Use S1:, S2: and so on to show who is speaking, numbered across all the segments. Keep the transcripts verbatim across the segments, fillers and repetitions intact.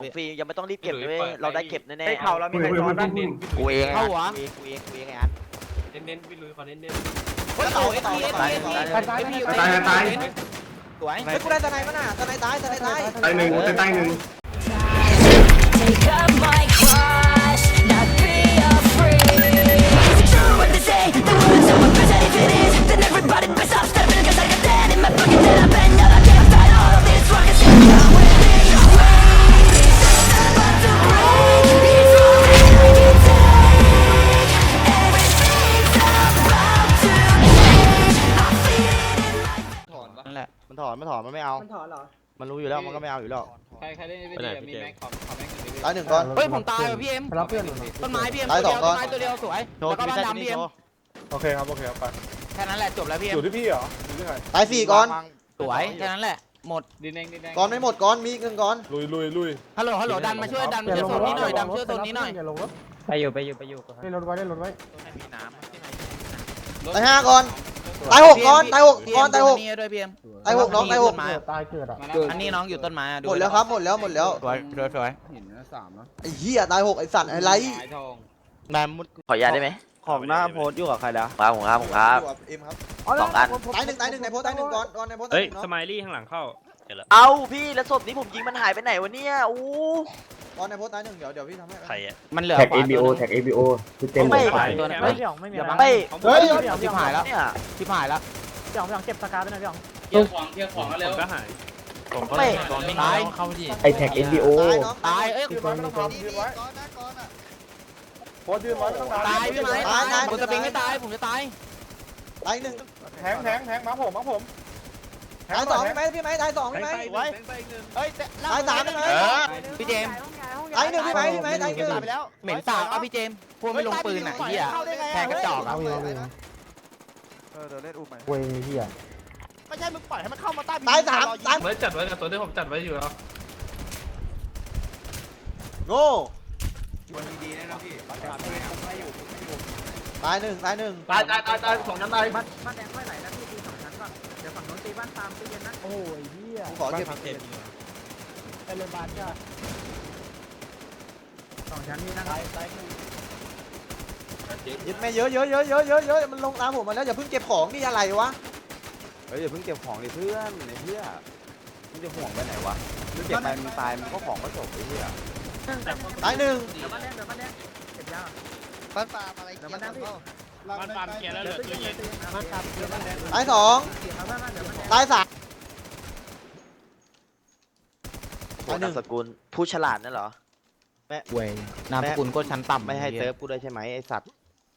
S1: ฟรียังไม่ต้องรีบเก็บเลยเราได้เก็บแน่ๆ
S2: ไอ้เข่าเรามีใครซ้อนบ้าง
S1: กูเอง
S3: เข้าหัว
S1: กูเองกูเองกูเองไอ้อัน
S4: เน้นๆพี่ลุยขอเน้น
S3: เฮ้ยโอ้ยตายตายตายตายตายสวย
S1: เฮ้ยกูได้ตะไนมั้งน่ะตะไนตายตะไนตาย
S5: ตายหนึ่งตายตายหนึ่ง
S6: Take up my cross, not be afraid. Is it true what they say? The words so represent if it is, then everybody best off stepping cause I got that in my pocket that I bet now I can't fight all of this rock and still come with me. It's about to break, it's all that I can take. Everything's about to change. I feel it in my
S1: นั่นแหละมันถอนมันถอนมันไม่เอา
S2: มันถอนเหรอ
S1: มันรู้อยู่แล้วมันก็ไม่เอาอยู่แล้ว
S4: ใครใครได้ไม่ดีมีแม็กขอขอแม็กหนึ่ง
S1: ตายหนึ่งก้อน
S3: เฮ้ยผมตายว่ะพี่เอ็ม
S7: รับเพื่อนหน่อย
S3: ต้นไม้พี่เอ็มตัวเดียวต้นไม้ตัวเดียวสวย
S1: โชว์
S3: แล้วก็
S1: ไม่
S3: บ้าน
S1: ใช่
S3: ดำพี่เอ็ม
S7: โอเคครับโอเคครับไป
S3: แค่นั้นแหละจบแล้วพี่
S7: อ
S3: เอ็ม
S7: ยู่ที่พี่เหรออยู่ที่ใคร
S1: ตายสี่ก้อน
S3: สวยแค่นั้นแหละหมด
S4: ดินแดงดินแดง
S1: ก้อนไม่หมดก้อนมีหนึ่งก้อน
S7: ลุยลุยลุย
S3: ฮัลโหลฮัลโหลดันมาช่วยดันมาช่วยโซนนี้หน่อยดันช่วยโซนนี้หน่อย
S7: อย่าลงรถ
S2: ไปอยู่ไปอยู่ไปอยู่
S7: ได้รถไว้ได้รถไว้
S3: มีน้ำ
S1: ตายห้าก้อนตายหกก้อนตายหกก้อนตายหก
S3: นี่ด้วยพี่เอ็ม
S1: ตายหกน้องตายหก
S7: เกิดตายเกิดอ่ะ
S4: มาแล้ว
S3: อันนี้น้องอยู่ต้นไม้อะ
S1: หมดแล้วครับหมดแล้วหมดแล้ว
S3: สวยสวยสวย
S2: เห็นนะสามเนาะ
S1: ไอ้เหี้ยตายหกไอ้สัตว์ไอ้ไร
S4: สายทอง
S1: แมมมุด
S8: ขออนุญาตได้ไหม
S1: ของหน้าโพสอยู่กับใครแล้ว
S8: ครับผมครับผมครับ
S1: เอ็มครับ
S8: สองอัน
S1: ตายหนึ่งตายหนึ่งในโพสตายหนึ่งก้อนก้อนในโพสตาย
S4: เฮ้ย
S1: หนึ่งเนาะ
S4: สไมลี่ข้างหลังเข้า
S8: เอาพี่แล้วศพนี้ผมยิงมันหายไปไหนวะเนี่ยอู้
S1: ก้อนในโพสตายหนึ่งเดี๋ยวเดี๋ยวพี่ทำให้
S8: ใครอ่ะ
S3: มันเหลือ
S5: แท็ก
S3: ขวา
S5: เอบีโอ
S3: ตัวนึง
S5: แท็กเอบีโอคือเต็ม
S8: ไม่
S5: เลย
S3: ตัวนึง
S2: เฮ้
S3: เฮ้
S2: ย
S3: ย
S2: พี่หยองไม่มี
S3: อย่า
S2: อะไร
S3: บัง
S8: ไม่
S1: เฮ้ย
S3: ชิบหายแล้ว
S8: เนี่ย
S3: ชิบหายแล้ว
S2: พี่หยองพี่หยองเก็บสกาไปหน่อยพี่หยอง
S4: เที่ยวของเที่ยวของแล้วก็หาย
S8: ไม่
S3: ตายเข้าดิ
S5: ไอแท็กเอบีโอ
S1: ตายน้อง
S3: ตายเอ้ย
S7: ยืนไว้ไม่ต้องทำยืนไว้
S1: ก้อนนะก้อนอ่ะ
S7: โพสยืนไว้ไม่ต้องทำ
S3: ตายพี่ไม้ตายผมจะปิงไม่ตายผมจะตาย
S1: ตายหนึ่ง
S7: แทงแทงแทงมาผมมาผม
S1: ตายสองพี่ไหมพี่ไหมตายสองพี่ไหม
S4: ไว้
S3: เฮ้ย
S1: ตายสามพี่ไหม
S3: พี่เจม
S1: ตายหนึ่งพี่ไหมพี่ไหมตายหนึ่ง
S3: เหม็นสาบอ่ะพี่เจมพวกไม่ลงปืนอ่ะเหี้ยแทงกระจอกอ่ะ
S7: เอาอีกเอาอีก
S1: เออเดี๋ยวเล่นอุ้มไหม
S7: เว้ยเฮีย
S1: ไม่ใช่มึงปล่อยให้มันเข้ามาใต้ตายสามตาย
S4: เหมือนจัดไว้กับตัวที่ผมจัดไว้อยู่แล้ว
S1: โง่ตายหนึ่งตายหนึ่ง
S4: ตายตายตายตายสองชั้นตาย
S2: บ้านบ้านแดงค่อยไหลนะพี่ตีสองชั้นก่อนเดี๋ยวฝั่งโน้นตีบ้านตามตีเย็นนะ
S7: โอ้ยเฮีย
S1: กูขอเก็บ
S7: ไปโรงพยาบาลจ้า
S2: สองชั้นนี่นะ
S1: ยึดแม่เยอะเยอะเยอะเยอะเยอะเยอะมันลงตามผมมาแล้วอย่าเพิ่งเก็บของนี่อะไรวะ
S9: เฮ้ยอย่าเพิ่งเก็บของดิเพื่อนไอ้เหี้ยมึงจะห่วงไปไหนวะมึงเก็บไปมึงตายมึงก็ของก็จบไอ้เหี้ย
S1: ตายหนึ่ง
S2: เดี๋ยวบ้านแดงเดี๋ยวบ้านแดงเก็บยา
S1: บ้านปามอะไร
S2: เดี๋ยวบ้านแดงพี่
S4: มันปามเกียร์แล้วเหลือตู้เย็น
S2: บ้านตามเดี๋ยวบ้านแดง
S1: ตายสอง
S2: เดี๋ยวบ้านบ้านเดี๋ยวบ้านแดง
S1: ตายสาม
S8: โหนามสกุลผู้ฉลาดนั่นเหรอ
S3: เว้ยนามสกุลก็ชั้นต่ำ
S9: ไม่ให้เซิร์ฟกูด้วยใช่ไหมไอ้สัตว์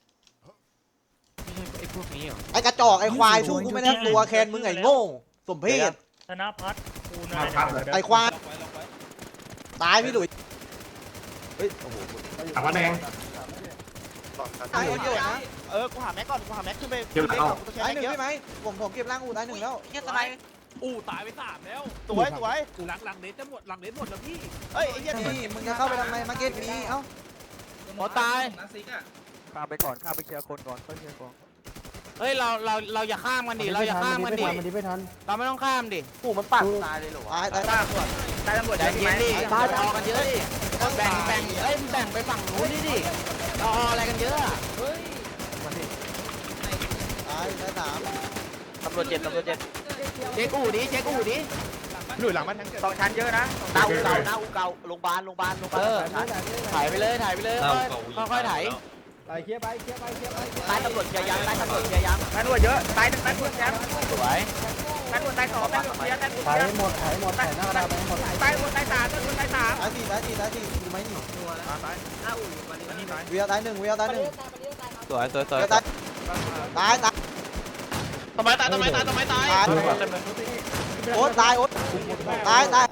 S3: ไอ้พวกนี้เหรอ
S1: ไอ้กระจอกไอ้ควายสู้กูไม่ได้ตัวแคนมึงไอ้โง่สมเพศ
S2: ธนพัฒน์คูนาย
S1: ไอ้ควายตายพี่หลุย
S9: เฮ้ยโอ้โห
S5: ถามว่าแดง
S1: ตายเยอะนะ
S8: เออกูหาแม็กก่อนกูหาแม็กขึ้นไป
S5: เก็บแล้ว
S1: ตายหนึ่งพี่ไหมผมผมเก็บร่างอูตายหนึ่งแล้ว
S8: เงี้ยตาย
S4: อู้ตายไปสามแล้ว
S1: สวยสวย
S4: หลังหลังเน็ตจะหมดหลังเน็ตหมดแล้วพี่
S1: เฮ้ยไอ้เหี้ยนี่มึงจะเข้าไปทำไมมาเก็ตนี้เอ้า
S3: หมอตาย
S1: ข้าไปก่อนข้าไปเคลียร์คนก่อนค่อยเคลียร์ของ
S3: เฮ้ยเราเราเราอย่าข้ามกันดิเราอย่าข้ามกันดิ
S7: มันดีไม่ทัน
S3: เราไม่ต้องข้ามดิ
S8: ปู่มันปัดตายเลยเหรอวะ
S1: ตายตายตาย
S3: ตายตำรวจใจเย็นดิตายออกกันเยอะดิแบ่งแบ่งเอ้ยแบ่งไปฝั่งนู้นนี่ดิเราออะไรกันเยอะอะ
S1: ตายตายสาม
S8: ตำรวจเจ็บตำรวจเจ็บ
S3: เช็คอู่ดิเช็คอู่ดิ
S7: หลุยหลังมันทั้ง
S2: สองชั้นเยอะนะ
S8: หน้าอูเก่าหน้าอูเก่าโรงพยาบาลโรงพยาบาลโรงพยา
S3: เอบ
S8: าล
S3: อถ่ายไปเลยถ่ายไปเลยค่อยค่อยๆถ่าย
S7: ไปเคลียร์ไปเคลียร์ไปเคลียร์ไป
S8: ใต้ตำรวจเคลียร์ยังใต้ตำรวจเคลียร์ยัง
S2: ตำรวจเยอะตายหนึ่งตายหนึ่งแชมป์
S3: สวย
S2: ตำรวจตายสองตำรวจเยอะตำรวจ
S7: ถ่าย
S2: เยอะ
S7: หมดถ่ายหมดถ่ายหน้ากระดาษไปหมด
S2: ตายหมดตายสามตำรวจตายสาม
S1: ตายสี่ตายสี่ตายสี่ดูไหมนี่เวียตายหนึ่งเวียตายหนึ่ง
S3: สวยสวยสวย
S1: เวียตายตายตาย
S8: ทำไมตายทำไมตายทำไมตาย
S1: ตายโอ๊ตตายโอ๊ตตายตาย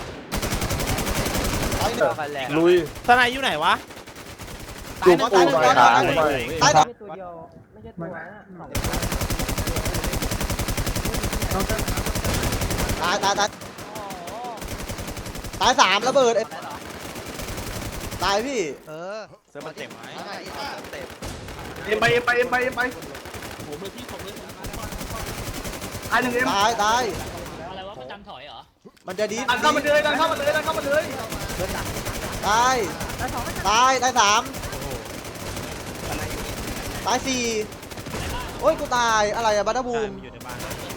S1: ตายหนึ่ง
S7: ลุย
S8: ทนายอยู่ไหนวะ
S1: ตายหนึ่งตายหนึ่งตายหนึ่งตายสอง
S2: ตัวเดียวไม่ใช่ตัวนะสอง
S1: ตายตายตายตายสามระเบิดตายพี่เออ
S8: เซิร์ฟมันเต็มไหม
S5: เอ็มไปเอ็มไปเอ็มไปเอ็มไป
S4: ผมเลยพี่ผมเลย
S5: ตายหนึ่งเอ็ม
S1: ตายตาย
S4: อะไรวะประจำถอยเหรอ
S1: มันจะดี
S5: ดันเข้ามาเลยดันเข้ามาเลยดันเข้ามาเลย
S1: ตาย
S2: ตายสองไม่
S1: ตายตายสามตายสี่โอ้ยกูตายอะไรอะบัตเตอร์บูม
S4: อยู่ในบ้าน
S1: ต